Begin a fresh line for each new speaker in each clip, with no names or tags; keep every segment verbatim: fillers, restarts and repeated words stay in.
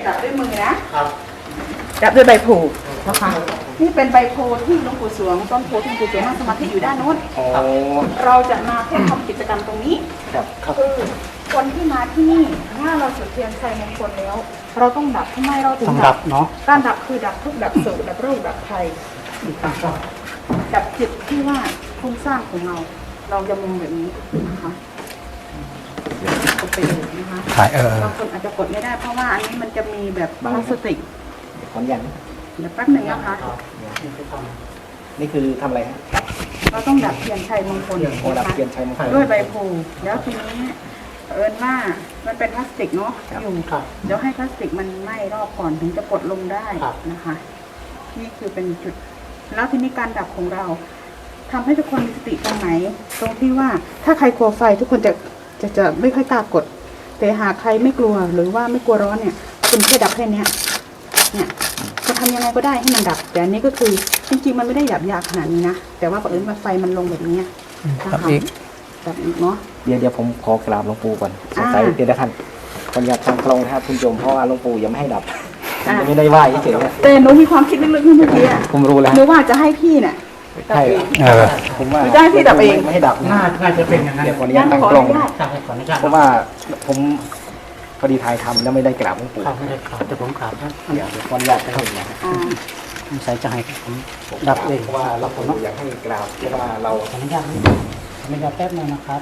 ดับด้วยมือนะครับดับด้วยใบโพนะคะนี่เป็นใบโพที่หลวงปู่สวงต้นโพที่หลวงปู่สวงนั่งสมาธิอยู่ด้านโน้นเราจะมาเพื่อทำกิจกรรมตรงนี้คือคนที่มาที่นี่ถ้าเราจุดเทียนชัยมงคลแล้วเราต้องดับทำไมเราถึงดับเนาะการดับคือดับทุกดับโศกดับโรคดับภัยดับจิตที่ว่าโครงสร้างของเราเราจะมองแบบนี้นะคะกดไปเลยนะคะบางคนอาจจะกดไม่ได้เพราะว่าอันนี้มันจะมีแบบพลาสติก
ขอนยัน
เดี๋ยวแป๊บหนึ่งนะคะ
นี่คือทำอะไรฮะ
เราต้องดับเทียนชัยมงคล
ดับเทียนชัยมงคล
ด้วยใบโพแล้วทีนี้เอิญว่ามันเป็นพลาสติกเนาะอยู่เดี๋ยวให้พลาสติกมันไหม้รอบก่อนถึงจะกดลงได้นะคะนี่คือเป็นจุดแล้วทีนี้การดับของเราทำให้ทุกคนมีสติตรงไหนตรงที่ว่าถ้าใครกลัวไฟทุกคนจะจะจะไม่ค่อยกล้ากดแต่หากใครไม่กลัวหรือว่าไม่กลัวร้อนเนี่ยคุณแค่ดับแค่นี้เนี่ยจะทำยังไงก็ได้ให้มันดับแต่อันนี้ก็คือจริงๆมันไม่ได้ดับยากขนาดนี้นะแต่ว่าเอิญว่าไฟมันลงแบบนี้นะคะดับอีกเนาะ
เดี๋ยวเดี๋ยวผมขอกราบหลวงปู่ก่อนสงสัยเดี๋ยวท่านคนอยากทำกลองนะครับคุณโยมเพราะว่าหลวงปู่ยังไม่ให้ดับยังไม่ได้ไหว้เฉยๆ
แต่หนูมีความคิดลึกๆเมื่อกี้
ผมรู้แล้ว
หนูว่าจะให้พี่เนี่ย
ใช่ผมว่า
จะให้พี่ดับเอง
ไม่ให้ดับ
น่าน่าจะเป็นอย่างนั้น
เดี๋ยวคนนี้ตั้งกลองเพราะว่าผมพอดีถ่ายทำแล้วไม่ได้กราบหลวงปู่
ไม่ได้กราบแต่ผมกราบนะ
เดี๋ยวคนอยากจะเห็นนะ
ผมใส่ใจผมดับเอง
เพราะว่าเราผมอยากให้กราบเพราะว่าเรา
ขออนุญาตขออนุญาตแป๊บนึงนะครับ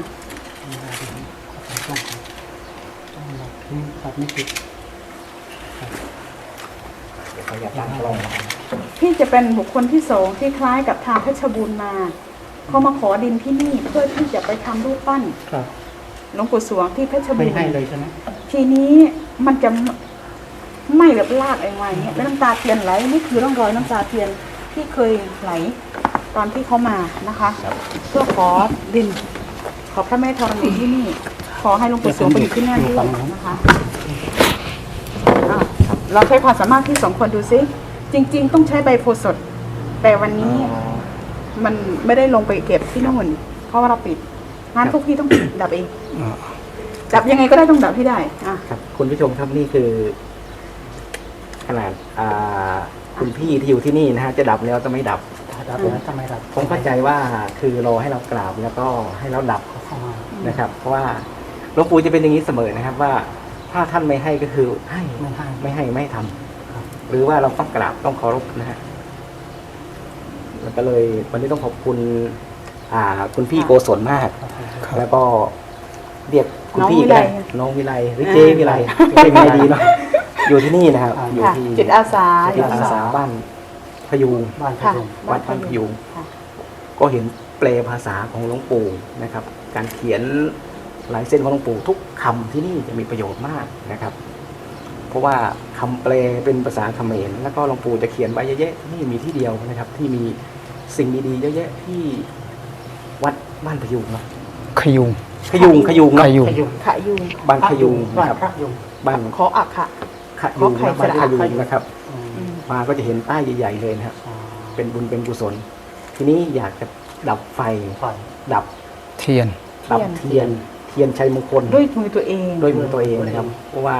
ครับไม่ติด
พี่จะเป็นบุคคลที่สองที่คล้ายกับทางเพชรบูรณ์มาเขามาขอดินที่นี่เพื่อที่จะไปทำรูปปั้นหลวงปู่สวงที่เพชรบูรณ์
ไม่ให้เลยใช่ไหม
ทีนี้มันจะไม่แบบลากอะไรเงี้ยแล้วน้ำตาเทียนไหลนี่คือร่องรอยน้ำตาเทียนที่เคยไหลตอนที่เขามานะคะเพื่อขอดินขอพระแม่ธรณีที่นี่ขอให้หลวงปู่สวงไปอยู่ที่นั่นด้วยนะคะเราใช้ความสามารถที่สองคนดูซิจริงๆต้องใช้ใบโพสดแต่วันนี้มันไม่ได้ลงไปเก็บที่นู่นเพราะว่าเราปิดงานพวกพี่ต้องดับเองดับยังไงก็ได้ต้องดับให้ได้อ่ะ
ครับคุณผู้ชมครับนี่คือขนาดคุณพี่ที่อยู่ที่นี่นะฮะจะดับแล้วจะไม่ดับ
ดับแล้วจะไม่ดับ
ผมเข้าใจว่าคือรอให้เรากราบแล้วก็ให้เราดับนะครับเพราะว่าหลวงปู่จะเป็นอย่างนี้เสมอนะครับว่าถ้าท่านไม่ให้ก็คือให้ไม่ให้ไม่ให้ไม่ทำหรือว่าเราต้องกราบต้องเคารพนะฮะแล้วก็เลยวันนี้ต้องขอบคุณอ่าคุณพี่โกศลมากแล้วก็เรียกคุณพี่ก็ได้น้องวิไลหรือเจวิไลเจวิไลดีเนาะอยู่ที่นี่นะครับอยู่ที่
จิตอาสา
จิตอาสาบ้านพยุง
บ้านพยุง
วัดบ้านพยุงก็เห็นแปลภาษาของหลวงปู่นะครับการเขียนลายเส้นของหลวงปู่ทุกคำที่นี่จะมีประโยชน์มากนะครับเพราะว่าคำแปลเป็นภาษาเขมรแล้วก็หลวงปู่จะเขียนไว้เยอะๆนี่มีที่เดียวนะครับที่มีสิ่งดีๆเยอะๆที่วัดบ้านพยุงเนาะ
ขยุง
ขยุงขยุง
ขยุง
ขยุง
บ้านขยุงนะครับบ้าน
ขออักขะ
ขยุงบ้านขยุงนะครับมาก็จะเห็นป้ายใหญ่ๆเลยนะครับเป็นบุญเป็นกุศลทีนี้อยากจะดับไฟดับ
เทียน
ดับเทียนเทียนชัยมงคล
ด้วยมือตัวเอง
ด้วยมือตัวเองนะครับเพราะว่า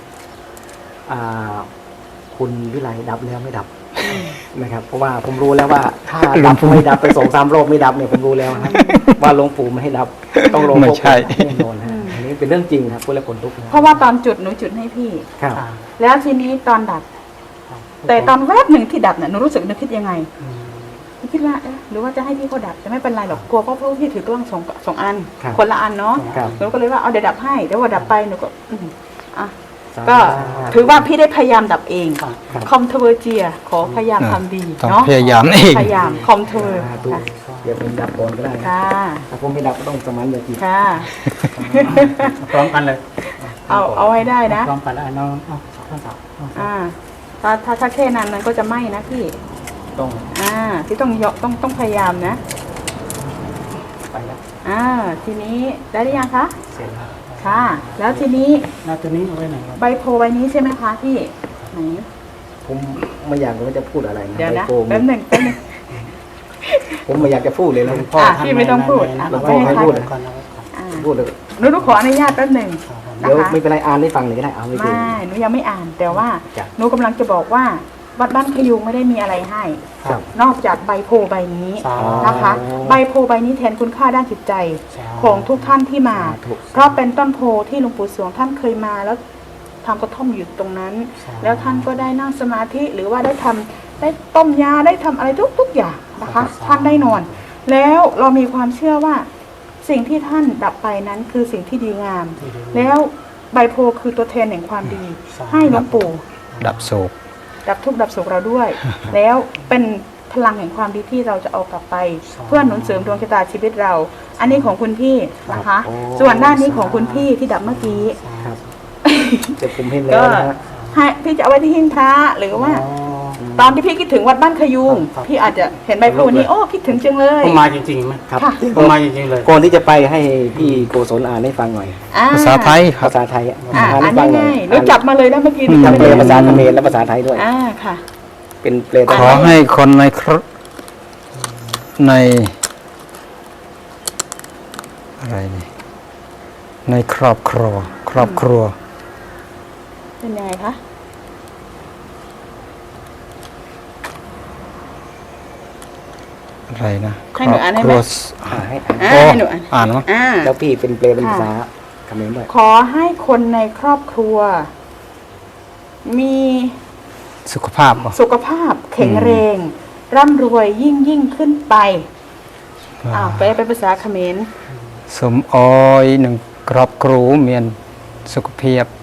คุณวิไลดับแล้วไม่ดับนะครับเพราะว่าผมรู้แล้วว่าถ้าดับไม่ดับไปสองสามรอบไม่ดับเนี่ยผมรู้แล้วนะว่าหลวงปู่ไม่ให้ดับต้องลงไม่ใช่แน่นอนนะอันนี้เป็นเรื่องจริงครับพูดแล้วคนลุก
เพราะว่าตอนจุดหนูจุดให้พี่แล้วทีนี้ตอนดับแต่ตอนแวบหนึ่งที่ดับเนี่ยหนูรู้สึกนึกคิดยังไงคิดว่าเออหรือว่าจะให้พี่เขาดับจะไม่เป็นไรหรอกกลัวเพราะพี่ถือกล้องสองสองอันคนละอันเนาะหนูก็เลยว่าเอาเดี๋ยวดับให้แต่ว่าดับไปหนูก็อ่ะก็ถือว่าพี่ได้พยายามดับเองคอมเทอร์เจียขอพยายามทำดีเนาะ
พยายามเอง
พยายามคอมเทอร์
เดี๋ยวผมดับก่อนก็ได้ค่ะถ้าผมไม่ดับก็ต้องสมันเลยที
ค่ะ
พร้อมกันเลย
เอาเอาให้ได้นะ
พร้อมกันแล้วน้อง
อ่าถ้าถ้าถ้าแค่นั้นมันก็จะไหม้นะพี่
ต้อง
อ่าที่ต้องยกต้องต้องพยายามนะ
ไปแล้ว
อ่าทีนี้ได้หรือยังคะ
เสร็จแล้ว
ค่ะแล้วทีนี้
แล้วตัวนี้เอาไว้ไหน
ใบโพใบนี้ใช่ไหมคะพี่ไหน
ผมไม่อยากว่าจะพูดอะไรนะ
เดี๋ยวนะแป๊บหนึ่งแป๊บหนึ่ง
ผมไม่อยากจะพูดเลยนะ
พ่อพี่ไม่ต้องพูด
หลวงพ่อให้พูดพูด
หนูหนูขออนุญาตแป๊บหนึ่ง
เดี๋ยวไม่เป็นไรอ่านให้ฟังหน่อยก็ได้เอาไม่เป็น
ไม่หนูยังไม่อ่าน แต่ว่า
จ้ะ
หนูกำลังจะบอกว่าวัดบ้านขยุงไม่ได้มีอะไรให้
ครับ
นอกจากใบโพใบนี้
สา
นะคะ ใบโพใบนี้แทนคุณค่าด้านจิตใจ
สา
ของทุกท่านที่มา
สาธุ
เพราะเป็นต้นโพที่หลวงปู่สวงท่านเคยมาแล้วทำกระท่อมอยู่ตรงนั้น แล้วท่านก็ได้นั่งสมาธิหรือว่าได้ทำได้ต้มยาได้ทำอะไรทุกๆอย่างนะคะ ท่านได้นอน แล้วเรามีความเชื่อว่าสิ่งที่ท่านดับไปนั้นคือสิ่งที่ดีงาม แล้วใบโพคือตัวแทนแห่งความดี ให้หลวงปู่
ดับโศก
ดับทุกข์ดับสุขเราด้วย แล้วเป็นพลังแห่งความดีที่เราจะเอากลับไป เพื่อหนุนเสริมดวงชะตาชีวิตเรา อันนี้ของคุณพี่นะคะ
โอ้
ส่วนด้านนี้ของคุณพี่ที่ดับเมื่อกี้
ครับเดี๋ยวผมเห็นแล้
ก็
วนะฮะ
ให้พี่จะเอาไว้ที่หิ้งพระหรือว่า
อ๋อ
ตอนที่พี่คิดถึงวัดบ้านขยุง
ครับ
พี่อาจจะเห็นใบโพนี้โอ้คิดถึงจังเลย
ผมมาจริงๆไหม
ครับ
ค่ะ
ผมมาจริงๆเลย
ก่อนที่จะไปให้พี่โกศลอ่านให้ฟังหน่อย
อ่
ภาษาไทยครั
ภา
บ
ษาไทยอ่ะ
อ่า
อ่าน
อั
ให้
น
ฟังหน่อย
ง่ายๆหนูจับมาเลยนะเมื่อกี้
ทั้ง
ไม่
เปล
ได้
ภาษาเขมรและภาษาไทยด้วย
อ่าค่ะ
เป็นเปลไท
ขอย ให้คนในครในอะไรนี่ในครอบครัว ครอบครัว
เป็นยังไงคะ
อะไรนะค
ให้
ร
หนู
อบ
อ่านให้
ค
ไหม
รัว
อ่าให้อ่าน
อ่า
โอ้
ให้หนูอ่าน
อ่านมั้ง
อ่า
แล้วพี่เป็นเปลเป็นภาษา
ค่ะ
เขมรด้วย
ขอให้คนในครอบครัว มี
สุขภาพบ่
สุขภาพแข็งแรง ร่ำรวยยิ่งยิ่งขึ้นไปอ้าวไปเป็นภาษาเขมร
สมออยหนึ่งครอบครัวเมียนสุขภาพ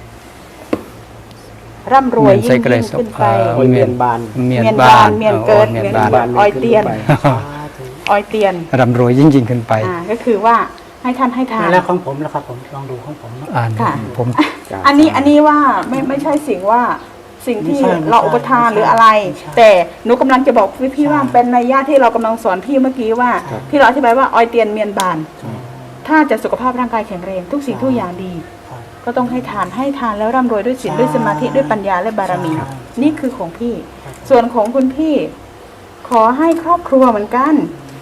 ร่ำรวย
เมียน
ยิ่
ใส่
ง
กระไร
ยิ่ง
ส
ขึ้น
ม
ไป
เอ่อ
โอ้ยเมียนบาน
เมียน
เมียน
บ้า
บาน นเมียนเกิด
เมียน
เมียน
บ้าน
บาน อ้อยเตียน
ขึ้ไป
ออยเตียน
ร่ำรวยยิ่งยิ่งขึ้นไป
อ่าก็คือว่าให้ท่านให้ทาน
แล้วของผมนะครับผมลองดูของผมนะ
อ่าน
ค่ะ
ผม
จ้ะ
อันนี้อันนี้ว่าไม่ไม่ใช่สิ่งว่าสิ่งที่
ไม่ใช่ไม่ใช่
เราอุปทานหรืออะไร
ไม่ใช่
แต่หนูกำลังจะบอกพี่พี่
ใช่
ว่าเป็นนัยยะที่เรากำลังสอนพี่เมื่อกี้ว่า
ครับ
ที่เราอธิบายว่าออยเตียนเมียนบาน ถ้าจะสุขภาพร่างกายแข็งแรงทุกสิ่งทุกอย่างดี
ครับ
ก็ต้องให้ทานให้ทานแล้วร่ำรวยด้วยศีล
ใช่
ด้วยสมาธิด้วยปัญญาและบารมี
ใช่
นี่คือของพี่
ครับ
ส่วนของคุณพี่ ขอให้ครอบครัวเหมือนกัน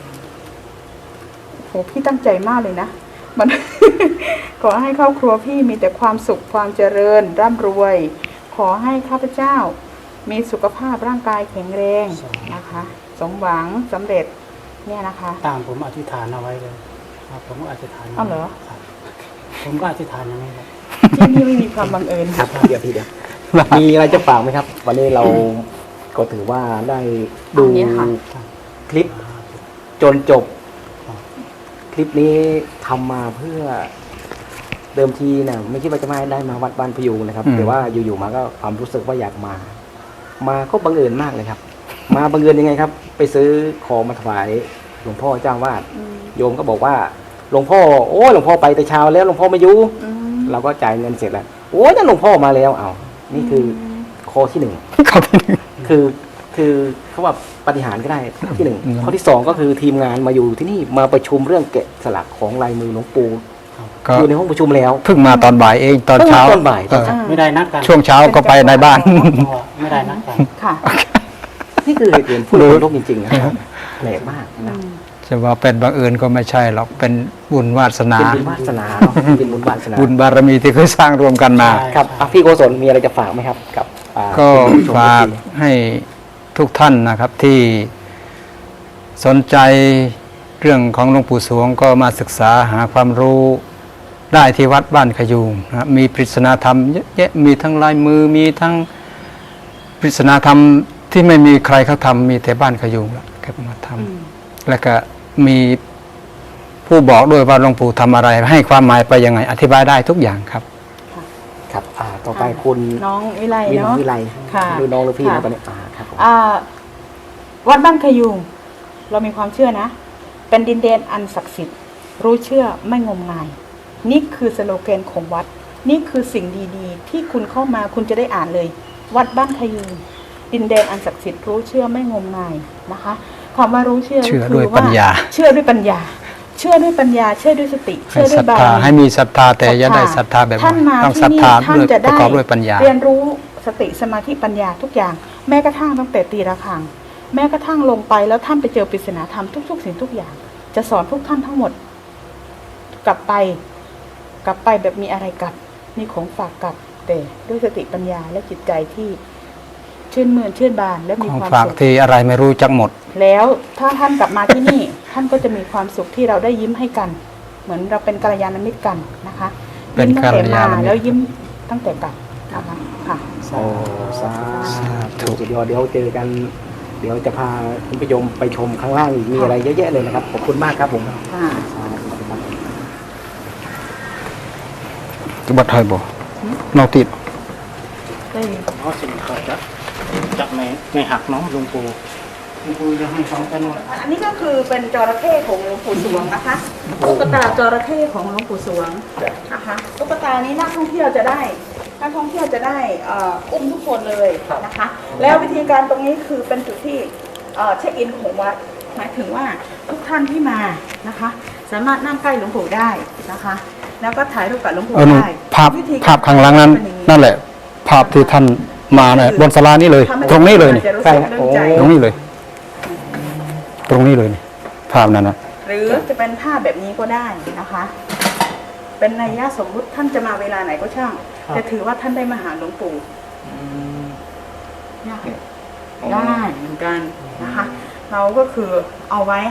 โหพี่ตั้งใจมากเลยนะมัน ขอให้ครอบครัวพี่มีแต่ความสุขความเจริญ ร่ำรวย ขอให้ข้าพเจ้า มีสุขภาพร่างกายแข็งแรงนะคะ สมหวังสำเร็จเนี่ยนะคะ
ตามผมอธิษฐานเอาไว้เลยครับผมก็อธิษฐาน
อ้าวเหรอ
ครับผมก็อธิษฐานอย่างนี้ครับ
ที่นี่ไม่มีความบังเอิญ
ครับเดี๋ยวพี่เดี๋ยวมีอะไรจะฝากไหมครับ วันนี้เราก็ถือว่าได้ดู
อันนี้ค่ะ
คลิปจนจบ คลิปนี้ทำมาเพื่อเดิมทีนะไม่คิดว่าจะมาได้มาวัดบ้านพยูงนะครับ
อืม
แต่ว่าอยู่ๆมาก็ความรู้สึกว่าอยากมา มาก็บังเอิญมากเลยครับ มาบังเอิญยังไงครับ ไปซื้อของมาถวายหลวงพ่อเจ้าวาด
อืม
โยมก็บอกว่าหลวงพ่อโอ้หลวงพ่อไปแต่เช้าแล้วหลวงพ่อไม่อยู่
อืม
เราก็จ่ายเงินเสร็จแล้วโอ้ยนั่นหลวงพ่อมาแล้วเอานี่คือข้อที่หนึ่ง
เข้าไปหนึ่ง
คือคือเขาว่าปฏิหารย์ก็ได้ข้อที่หนึ่ง
อืม
ข้อที่สองก็คือทีมงานมาอยู่ที่นี่มาประชุมเรื่องแกะสลักของลายมือหลวงปู่
ก็
อยู่ในห้องประชุมแล้ว
เพิ่งมาตอนบ่ายเองตอนเช้า
เพิ่งมาตอนบ่าย
เออ
ไม่ได้นัดกัน
ช่วงเช้าก็ไปในบ้าน
เพราะว่าไม่ได้นัดกัน
ค่ะ
นี่คือเหตุผลพูดคนโลกจริงๆนะครับแปลกมากนะ
จะว่าเป็นบังเอิญก็ไม่ใช่หรอกเป็นบุญวาสนา
เป็นบุญวาสนาเนาะเป็นบุญวาสนา
บุญบารมีที่เคยสร้างรวมกันมา
ใช่
ครับอ่ะพี่โกศลมีอะไรจะฝากไหมครับ กับอ่า
ก็
ผู้ชม
ฝาก
ที่
ให้ทุกท่านนะครับที่สนใจเรื่องของหลวงปู่สวงก็มาศึกษาหาความรู้ได้ที่วัดบ้านขยูงนะครับมีปริศนาธรรมเยอะแยะมีทั้งลายมือมีทั้งปริศนาธรรมที่ไม่มีใครเขาทำมีแต่บ้านขยูงแหละแกมาทำ
อืม
แล้วก็มีผู้บอกด้วยว่าหลวงปู่ทำอะไร ให้ความหมายไปยังไง อธิบายได้ทุกอย่างครับ
ครับอ่าต่อไปคุณ
น้องวิไล
วิน
เนาะ
วิไล
ค่ะ
หรือน้องหรือพี่
ค่ะ
นะตอนนี้อ่าครับผม
อ่าวัดบ้านขยุงเรามีความเชื่อนะ เป็นดินแดนอันศักดิ์สิทธิ์ รู้เชื่อไม่งมงาย นี่คือสโลแกนของวัด นี่คือสิ่งดีๆ ที่คุณเข้ามาคุณจะได้อ่านเลย วัดบ้านขยุงดินแดนอันศักดิ์สิทธิ์รู้เชื่อไม่งมงายนะคะคำว่ารู้เชื่อ
เชื่อ
ก็คื
ด้วย
ว่
ปัญญา
เชื่อด้วยปัญญา เชื่อด้วยปัญญา เชื่อด้วยสติ
ให้
เชื่อด้
ศ
ว
รั
ย
ท
บาร
ธา
มี
ให้มีศรัทธาแต่อย่าได้ศรัทธาแบบ
ท่านมา
ต้อง
ที่
ศรัท
นี่
ธา
ท่าน
ด้วย
จะ
ป
ได้
ระกอบด้วยปัญญา
เรียนรู้สติสมาธิปัญญาทุกอย่าง แม้กระทั่งตั้งแต่ตีระฆัง แม้กระทั่งลงไปแล้วท่านไปเจอปริศนาธรรมทุกๆสิ่งทุกอย่าง จะสอนพวกท่านทั้งหมด กลับไปกกลับไปแบบมีอะไรกลับมีของฝากกลับแต่ด้วยสติปัญญาและจิตใจที่ชื่นมื่นชื่นบานและมี
ของ
ความ
ฝาก
สุข
ที่อะไรไม่รู้จักหมด
แล้วถ้าท่านกลับมาที่นี่ ท่านก็จะมีความสุขที่เราได้ยิ้มให้กัน เหมือนเราเป็นกัลยาณมิตรกันนะคะ
เป็น
ยิ้มตั้งแต่
กัลยาณมิตร
มาแล้วยิ้มตั้งแต่กลับนะคะค่ะ
โอ้สา
สาธุ
ธุเดี๋ยวเดี๋ยวเจอกัน เดี๋ยวจะพาคุณผู้ชมไปชมข้างล่างอีกมีอะไรเยอะแยะเลยนะครับขอบคุณมากครับผม
ค่ะ
สาธุครับ
จะบัดไทยบ่นอกติด
ได้
เพราะสิ่งเขาจะจับไม่ไม่หักเน้องหลวงปู่หลวงปู่จะให้สองกันหมด
อันนี้ก็คือเป็นจระเข้ของหลวงปู่สวงนะคะตุ๊กตาจระเข้ของหลวงปู่สวงนะคะตุ๊กตานี้นักท่องเที่ยวจะได้นักท่องเที่ยวจะได้เอ่ออุ้มทุกคนเลยนะคะ แล้ววิธีการตรงนี้คือเป็นจุดที่เอ่อเช็คอินของวัดหมายถึงว่าทุกท่านที่มานะคะ สามารถนั่งใกล้หลวงปู่ได้นะคะ แล้วก็ถ่ายรูปกับหลวงปู่
เออหนู
ได้
ภาพ
วิธีกร
ภาพข้างหลังนั้น
เป็อย่า
นั่นแหละ ภาพที่ท่านมาเนี่ยบนศาลานี่เลย
ทำให้
ตรงนี้เลยนี่
จะรู้สึกเรื่องใจ
ตรงนี้เลย ตรงนี้เลยนี่ภาพนั้นนะ
หรือจะเป็นภาพแบบนี้ก็ได้นะคะ เป็นนัยยะสมมุติท่านจะมาเวลาไหนก็ช่างจะถือว่าท่านได้มาหาหลวงปู่ได้ได้เหมือนกันนะคะ เราก็คือเอาไว้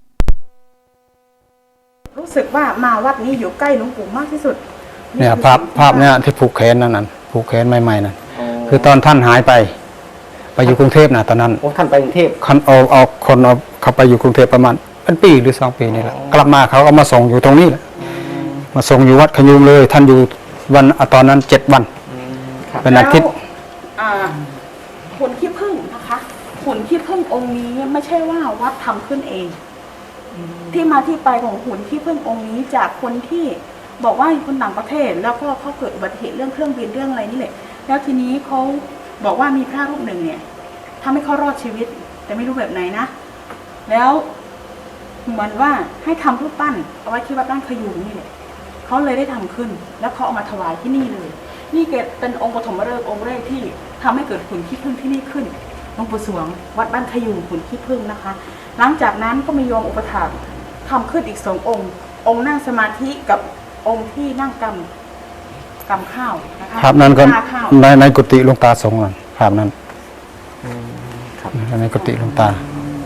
รู้สึกว่ามาวัดนี้อยู่ใกล้หลวงปู่มากที่สุด
เนี่ย
คือ
ภาพ
สิ่งที่
ภาพเนี่ยที่ผูกแขนนั่นน่ะผูกแขนใหม่ๆนั่น
อ๋อ
คือตอนท่านหายไป ไปอยู่กรุงเทพนะตอนนั้น
โอ้ท่านไปกรุงเทพ
คันเอาเอาคนเอาเขาไปอยู่กรุงเทพประมาณเป็นปีหรือสองปีนี่แหละ
อ๋อ
กลับมาเขาเอามาส่งอยู่ตรงนี้แหละมาส่งอยู่วัดขยุงเลย ท่านอยู่วันอ่ะตอนนั้นเจ็ดวัน
ครับ
เป็นอาทิตย์
แล้วอ่าหุ่นขี้ผึ้งนะคะหุ่นขี้ผึ้งองค์นี้ไม่ใช่ว่าวัดทำขึ้นเอง ที่มาที่ไปของหุ่นขี้ผึ้งองค์นี้จากคนที่บอกว่าคนต่างประเทศ แล้วก็เขาเกิดอุบัติเหตุเรื่องเครื่องบินเรื่องอะไรนี่แหละแล้วทีนี้เขาบอกว่ามีพระรูปหนึ่งเนี่ยทำให้เขารอดชีวิต แต่ไม่รู้แบบไหนนะ แล้วเหมือนว่าให้ทำรูปปั้นเอาไว้ที่วัดบ้านขยูงนี่แหละเขาเลยได้ทำขึ้น แล้วเขาเอามาถวายที่นี่เลย นี่เกิดเป็นองค์ปฐมฤกษ์องค์แรกที่ทำให้เกิดหุ่นขี้ผึ้งที่นี่ขึ้นหลวงปู่สวง วัดบ้านขยูงหุ่นขี้ผึ้งนะคะ หลังจากนั้นก็มีโยมอุปถากทำขึ้นอีกสององค์ องค์นั่งสมาธิกับองค์ที่นั่งกำกำข้าวนะคะ
ภาพนั้นก็
หาข้าว
ในในกุฏิหลวงตาสงฆ์นั่นภาพนั้น
ครับ
ในกุฏิหลวงตา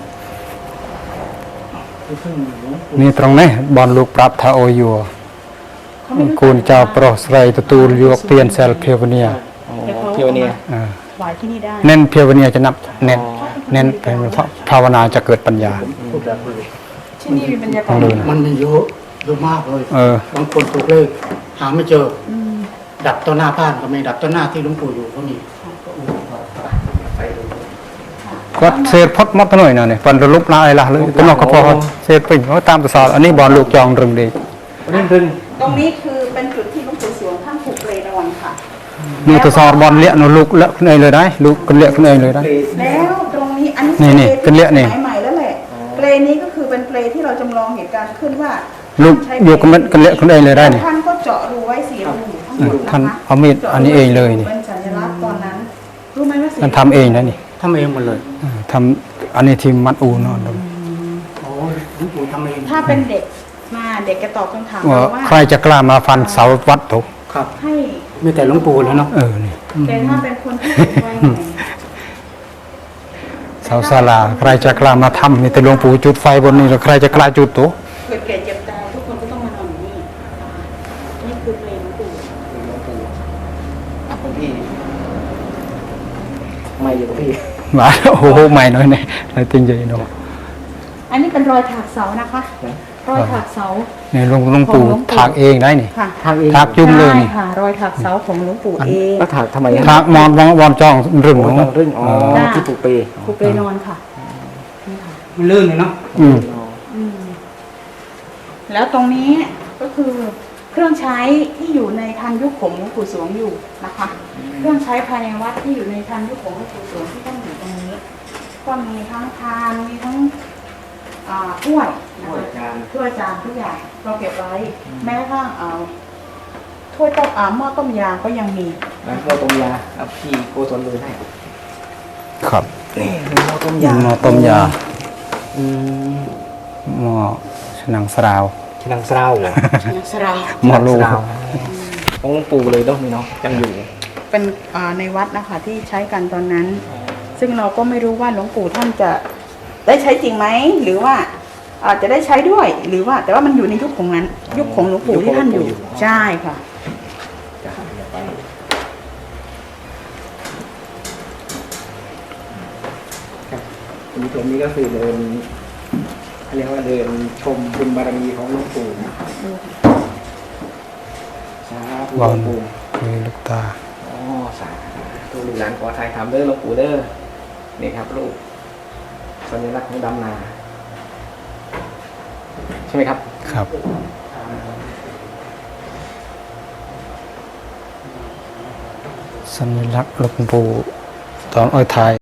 ที่พึ่งหลวงปู่
นี่ตรงนี้บอลลูกปรับทาโอยัว
เขาไม่รู้
คูณเจ้าโปรสไรตตูลยวกเตียนเซลเพียวเนีย
โอ้เที่ยวเนี่ย
อ่า
ถวายที่นี่ได้
เน้นเพียวเนียจะนับเน้นเน้นเป็นภาวนาจะเกิดปัญญา
พูดแบบเลย
ที่นี่มีบรรยากา
ต้
ศ
องดูนะ
มันมีเยอะเยอะมากเลย
เออ
บางคนถูกเลขหาไม่เจอ
อืม
ดับต้นหน้าบ้านก็มีดับต้นหน้าที่หลวงปู่อยู่ก็มี
ก็เศษพดมดหน่อยนะเนี่ยฟันระลุกลายละเลยต้นนอกก็พอเศษปิ่งเขาตามตัวสอบอันนี้บอลลูกจองรึงดี
เรื่องรึง
ตรงนี้คือเป็นจุดที่หลวงปู่สวงท่านผูกเปลนอนค่ะ
นี่ตัวสอบบอลเลี้ยนลูกเละขึ้นเองเลยได้ลูกกันเละขึ้นเองเลยได้
แล้วตรงนี้อัน
นี่
นี้
นี่เป็นเละนี่
สมัยใหม่แล้วแหละเปลนี้ก็คือเป็นเปลที่เราจำลองเหตุการณ์ขึ้นว่า
ลูก
ท่านใช้
อยู่กันมันกันเละขึ้นเองเลยได้นี่
ท่านก็เจาะรูไว้สี่รูทั้งหมด
ท่าน
นะคะ
เอามีดอันนี้เองเลยนี่
เป็นสัญลักษณ์ตอนนั้นรู้ไหมว่าสี่
ท่านทำเองนะนี่
ทำเองหมดเลย
เออทำอันนี้ทีมมัดอูนอนดู
โอ้หลวงปู่ทำเอง
ถ้าเป็นเด็กมาเด็กจะตอบคำถาม
ว่า
เราว่า
ใครจะกล้ามาฟันเสาวัดถูก
ครับ
ให้
มีแต่หลวงปู่แล้วเนาะ
เออนี่
แต่ถ้าเป็นคนที่สูงวัยหน่อย
เสาศาลาใครจะกล้ามาทำนี่แต่หลวงปู่จุดไฟบนนี้แล้วใครจะกล้าจุดตัว
เกิดแก่เจ็บตายทุกคนก็ต้องมานอนอยู่นี่นะคะนี่คือเพลงหลวงปู่
หลวงปู่อ่ะคุณพี่ไม่อยู่กับพี่
มาโอ้โหใหม่หน่อยเนี่ยอะไรจริงใจเนาะ
อันนี้เป็นรอยถากเสานะคะ รอยถากเสา
นี่หลวงหลวงปู่ถากเองได้นี่
ค่ะ
ทางเอง
ถากจุ่มเลยนี่
ใช่ค่ะ รอยถากเสาของหลวงปู่เอง
แล้วถากทำไม
ถากมอนวอนวอนจองรึง
โอ้
ของ
ต้องรึ่งอ๋อ
ได้
ที่ปลูกเป
ครูเปรนอนค่ะนี่ค่ะ
มันลื่นเลยเนาะ
อืม
อืมแล้วตรงนี้ก็คือเครื่องใช้ที่อยู่ในทันยุคของหลวงปู่สวงอยู่นะคะ เครื่องใช้ภายในวัดที่อยู่ในทันยุคของหลวงปู่สวงที่ตั้งอยู่ตรงนี้ ก็มีทั้งพานมีทั้งอ่าถ้วยนะคะถ้วยจานทุกอย่างเราเก็บไว้ แม้กระทั่งเอาถ้วยต้มอ่าหม้อต้มยาก็ยังมี
แล้วก็ต้มยาเอาพี่โกศลเลยให้
ครับ
นี่คือหม้อต้มยา
หม้อต้มยา
อืม
หม้อฉนังสราว
ฉชินังเศร้า
นักสราว
หมอลู
ชินังเศร้าของหลวงปู่เลยต้องมีเนาะยังอยู่
เป็นอ่าในวัดนะคะที่ใช้กันตอนนั้น ซึ่งเราก็ไม่รู้ว่าหลวงปู่ท่านจะได้ใช้จริงไหมหรือว่าอาจจะได้ใช้ด้วยหรือว่าแต่ว่ามันอยู่ในยุคของนั้น ยุคของหลวงปู่ที่ท่านอยู่ใช่ค่ะ
จ้ะเดี๋ยวไปครับคุณผู้ชมนี่ก็คือเดินเรียกว่าเดินชมบุญบารมีของหลวงปู่นะสาธุหลวงปู่
มีลูกตา
อ๋อสาธุลูกหลานขอไทยทำเด้อหลวงปู่เด้อนี่ครับลูกสัญลักษณ์ของดำนาใช่ไหมครับ
ครับ สัญลักษณ์หลวงปู่ตอนอ้อยไทย